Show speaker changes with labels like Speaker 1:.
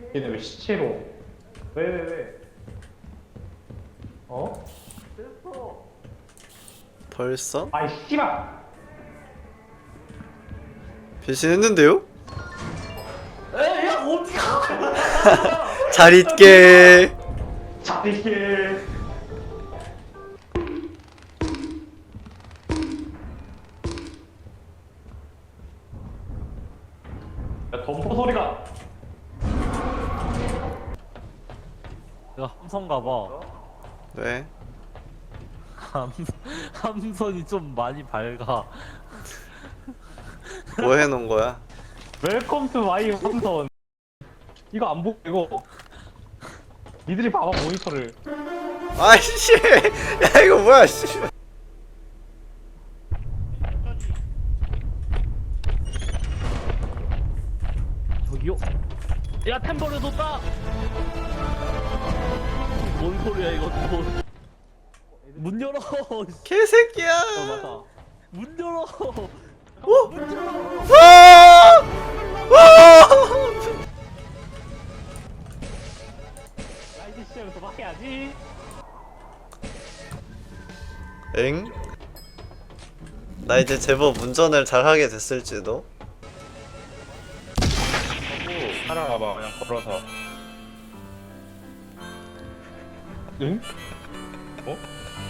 Speaker 1: 얘네 왜 시체로? 왜? 어? 됐어.
Speaker 2: 벌써?
Speaker 1: 아이 씨발.
Speaker 2: 변신했는데요?
Speaker 1: 에야 어디가?
Speaker 2: 잘 있게.
Speaker 1: 잘 있게. 야 덤보 소리가.
Speaker 3: 내가 함선 가봐.
Speaker 2: 네.
Speaker 3: 함선이 좀 많이 밝아.
Speaker 2: 뭐 해놓은 거야?
Speaker 1: 웰컴 투 마이 함선. 이거 안 보고 이거. 니들이 봐봐 모니터를.
Speaker 2: 아이씨. 야 이거 뭐야 씨.
Speaker 3: 저기요? 야 템버를 뒀다! 뭔 소리야 이거 또. 문 열어!
Speaker 2: 개새끼야.
Speaker 3: 맞아. 문 열어!
Speaker 2: 오!
Speaker 3: 문 열어!
Speaker 2: 와! 와!
Speaker 1: 라이드 시작을 도망해야지.
Speaker 2: 엥? 나 이제 제법 운전을 잘하게 됐을지도.
Speaker 1: 살아가봐 그냥 걸어서. 응? 어?